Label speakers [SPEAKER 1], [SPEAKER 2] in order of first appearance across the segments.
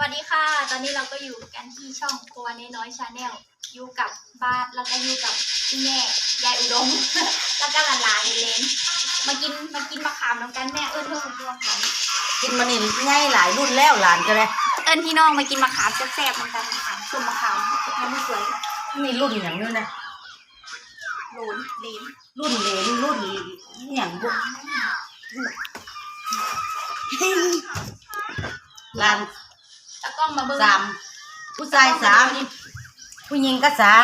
[SPEAKER 1] วัสดีค่ะตอนนี้เราก็อยู่กันที่ช่องครัวน้อยชาแนลอยู่กับบ้านแล้วก็อยู่กับพี่แม่ยายอุดม แล้วก็หลานๆเลนมากินมะขามน้ำกันแม่เอิ้นเพื่อนของขาม
[SPEAKER 2] กินมันนี่ง่ายหลายรุ่นแล้วหลานก็เลย
[SPEAKER 1] เอิ้นพี่น้องมากินมะขามแซ่บๆน้ำกันมะขามส้มมะขามมันไม่สวย
[SPEAKER 2] นี่รุ่นอย่างนี้นะ
[SPEAKER 1] โหลนเลน
[SPEAKER 2] รุ่นเหลนรุ่นอย่างบุหลาน
[SPEAKER 1] ตะกล้องมาเบิ้ง
[SPEAKER 2] สามผู้ชายสามผู้หญิงก็สาม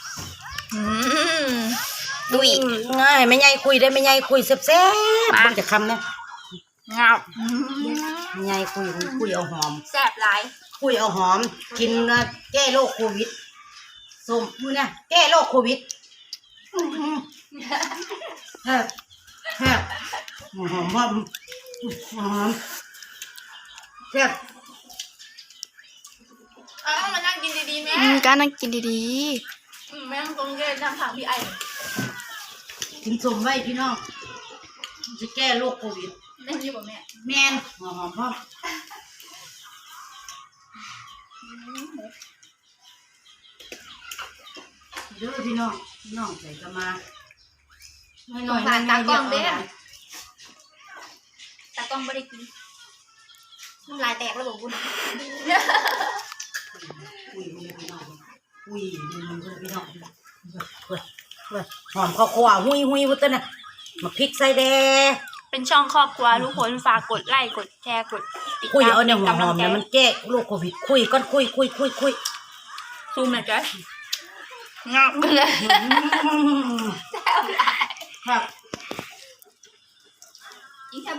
[SPEAKER 1] ดุย
[SPEAKER 2] ง่ายไม่ใหญ่คุยได้ไม่ใหญ่คุยแซ่บๆมันจะคำนะ
[SPEAKER 1] งับ
[SPEAKER 2] ไม่ใหญ่คุยเอาหอม
[SPEAKER 1] แซ่บหลาย
[SPEAKER 2] คุยเอาหอมกินแก้โรคโควิดส้มมือเนี่ยแก้โรคโควิดแซ่บแซ่บหอมหอมหอมแซ่บ
[SPEAKER 1] มานั่งกินดีๆแม่
[SPEAKER 3] ก็นั่งกินดี
[SPEAKER 1] แม่ต้องตรงเกนั่งถามพี่ไอ
[SPEAKER 2] กินส้มไว้พี่น้องจะแก้โรคโควิด
[SPEAKER 1] ได้ยินบ่แม่
[SPEAKER 2] แมนหอมหอมเด้อพี่น้องใส่กระมาหน่อย
[SPEAKER 1] ผ่านตากล้องเด้อตากล้องไม่ได้กินน้ำลายแตกแล้วบอกบุญ
[SPEAKER 2] อุ้ยพี่น้องอุ้ยพี่น้องหอมข้าวคั่วหุยพุทธนะมาพริกใส่แดง
[SPEAKER 1] เป็นช่องครอบครัวทุกคนฝากกดไลค์กดแชร์กดติด
[SPEAKER 2] คุย
[SPEAKER 1] ตาม
[SPEAKER 2] เอาเนี่ยห
[SPEAKER 1] กำลั
[SPEAKER 2] อง ม
[SPEAKER 1] ใจ
[SPEAKER 2] เนี่ยมันแก้โรคโควิดคุยก้อนคุย
[SPEAKER 1] ซูมหน่อยจ้ะงับเลยแซ่บหลาย
[SPEAKER 2] ครับ
[SPEAKER 1] อีแซ่บบ่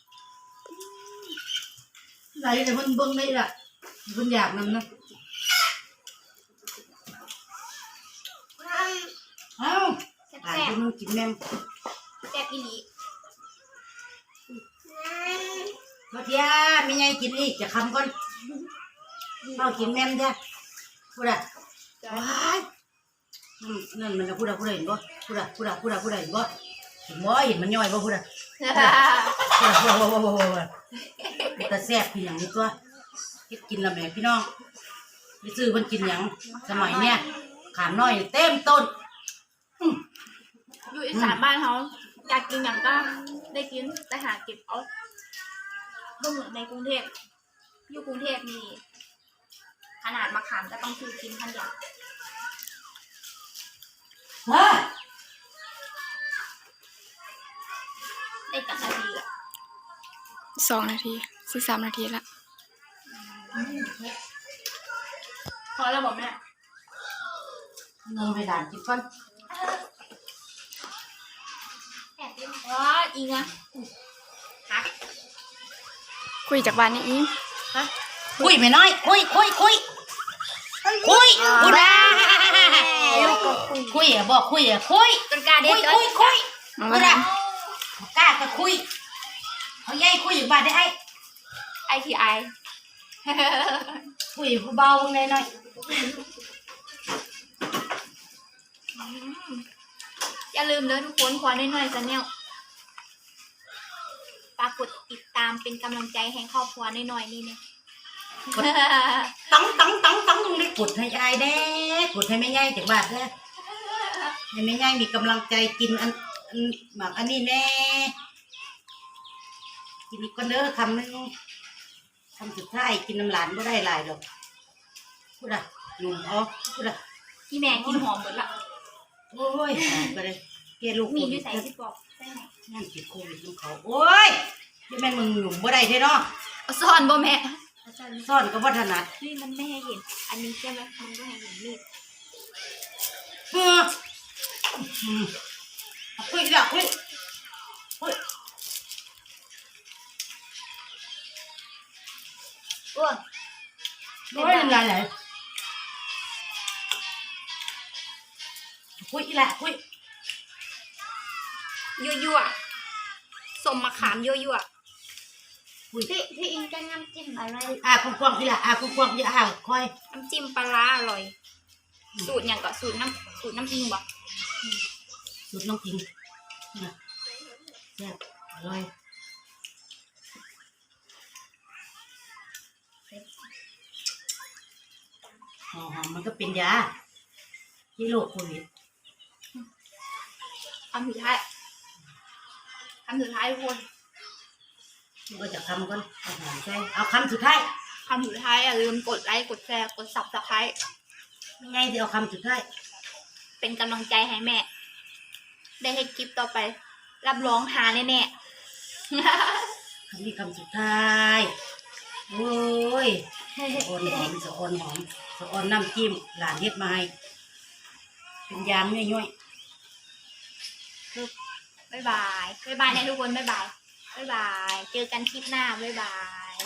[SPEAKER 2] ไหนแต่มันเบิ่งได้ล่ะมันอยากนั่นนะเอ้า
[SPEAKER 1] แซ่บ
[SPEAKER 2] หลาย
[SPEAKER 1] แซ่
[SPEAKER 2] ค
[SPEAKER 1] บ
[SPEAKER 2] นกินแม่
[SPEAKER 1] แซ่บอีหลี
[SPEAKER 2] มาเทียไม่ไงกินอีกจะคำก่อนเอากินแม่จ้ะพูดอะว้ายนั่นมันจะพูดเห็นบ่พูดเห็นบ่เห็นมันย่อยบ่พูดอะแต่แซ่บพี่อย่างนี้ตัวกินละแม่พี่น้องไปซื้อมันกินอย่างสมัยเนี้ยขามน้อยเต็มต้น
[SPEAKER 1] อยู่อีสานบ้านเขาอยากกินอย่างก็ได้กินแต่หาเก็บเอาไม่เหมือนในกรุงเทพอยู่กรุงเทพนี่ขนาดมะขามก็ต้องซื้อกินทันอย่าง
[SPEAKER 2] ว้า
[SPEAKER 1] ได้จักนาทีอะ
[SPEAKER 3] ๆ2 นาที13 นาทีละ
[SPEAKER 1] พอแล้วบอกแม่
[SPEAKER 2] เงินไปด่านกินก่อน
[SPEAKER 1] แอบเล่นอ๋ออีกนะฮะ
[SPEAKER 3] คุยจากบ้านนี่อีก
[SPEAKER 1] ฮะ
[SPEAKER 2] คุยไม่น้อยคุยพูดนะคุยอ่ะบอกคุยอ่ะคุย
[SPEAKER 1] ต้นกล้าเด็ด
[SPEAKER 2] คุย
[SPEAKER 1] ต้น
[SPEAKER 3] มัน
[SPEAKER 2] พู
[SPEAKER 3] ก็
[SPEAKER 2] ดนะกล้าก็คุยเขาใหญ่คุยอยู่บ้านได้ไอ้
[SPEAKER 1] ไอทีไอ
[SPEAKER 2] คุยเบาๆหน่อย
[SPEAKER 1] อย่าลืมเลยทุกคนขอหน่อยๆจะเนี่ยฝากกดติดตามเป็นกำลังใจให้ครอบครัวหน่อยๆนี่เนี่ย
[SPEAKER 2] ต้องได้กดให้ยายแน่กดให้แม่ใหญ่จากบ้านแน่ให้แม่ใหญ่มีกำลังใจกินอันหมักอันนี้แน่กินอีกคนเด้อคำนึงคำสุดท้ายกินน้ำหลานไม่ได้หลายหรอกพูดอะหนุ่มอ๋อพูดอะ
[SPEAKER 1] พี่แม่กินหอมหมดละ
[SPEAKER 2] โอ้ยไปเลยเกลูก
[SPEAKER 1] มีอยู่ใส่ที่บอกใช่ไหม
[SPEAKER 2] นั่นติดโควิดของเขาโอ้ยที่แม่นมึงหนุ่มบ่ได้เท่เนาะ
[SPEAKER 1] เอาซ่อนบ่แม่
[SPEAKER 2] ซ่อนก็บ่ถนัด
[SPEAKER 1] นี่มันไม่ให้เห็น อันนี้ใช่ไหมมันไม่ให้เห็นมีด
[SPEAKER 2] เออคุยละคุย
[SPEAKER 1] อ้วน
[SPEAKER 2] โอ้ยน้ำลายไหลคุยละคุย
[SPEAKER 1] ยั่วๆสมมะขามยั่วๆพี่อิงจะน้ำจิ้มอะไร
[SPEAKER 2] กว้างๆพี่ละกว้างๆอย่าคอย
[SPEAKER 1] น้ำจิ้มปลาร้าอร่อย สูตรอย่างก็สูตรน้ำอิงบ่
[SPEAKER 2] สุดน้องกินนะแซ่บอร่อยหอมมันก็เป็นยาที่โรคโควิด
[SPEAKER 1] คำสุดท้ายทุกคน
[SPEAKER 2] มันก็จะคำก่อนเอาหอมใส่เอาคำสุดท้าย
[SPEAKER 1] คำสุดท้ายอย่าลืมกดไลค์กดแชร์กดซับสไครต์
[SPEAKER 2] ยังไงที่เอาคำสุดท้าย
[SPEAKER 1] เป็นกำลังใจให้แม่ ได้ให้คลิปต่อไป รับรองหาแน่ๆ
[SPEAKER 2] คำนี้คำสุดท้ายโอ้ยสะออนหอมสะออนหอมสะออนน้ำจิ้มหลานเฮ็ดมาให้เป็นยามย่อย
[SPEAKER 1] บ๊ายบายนะทุกคนบ๊ายบาย เจอกันคลิปหน้าบ๊ายบาย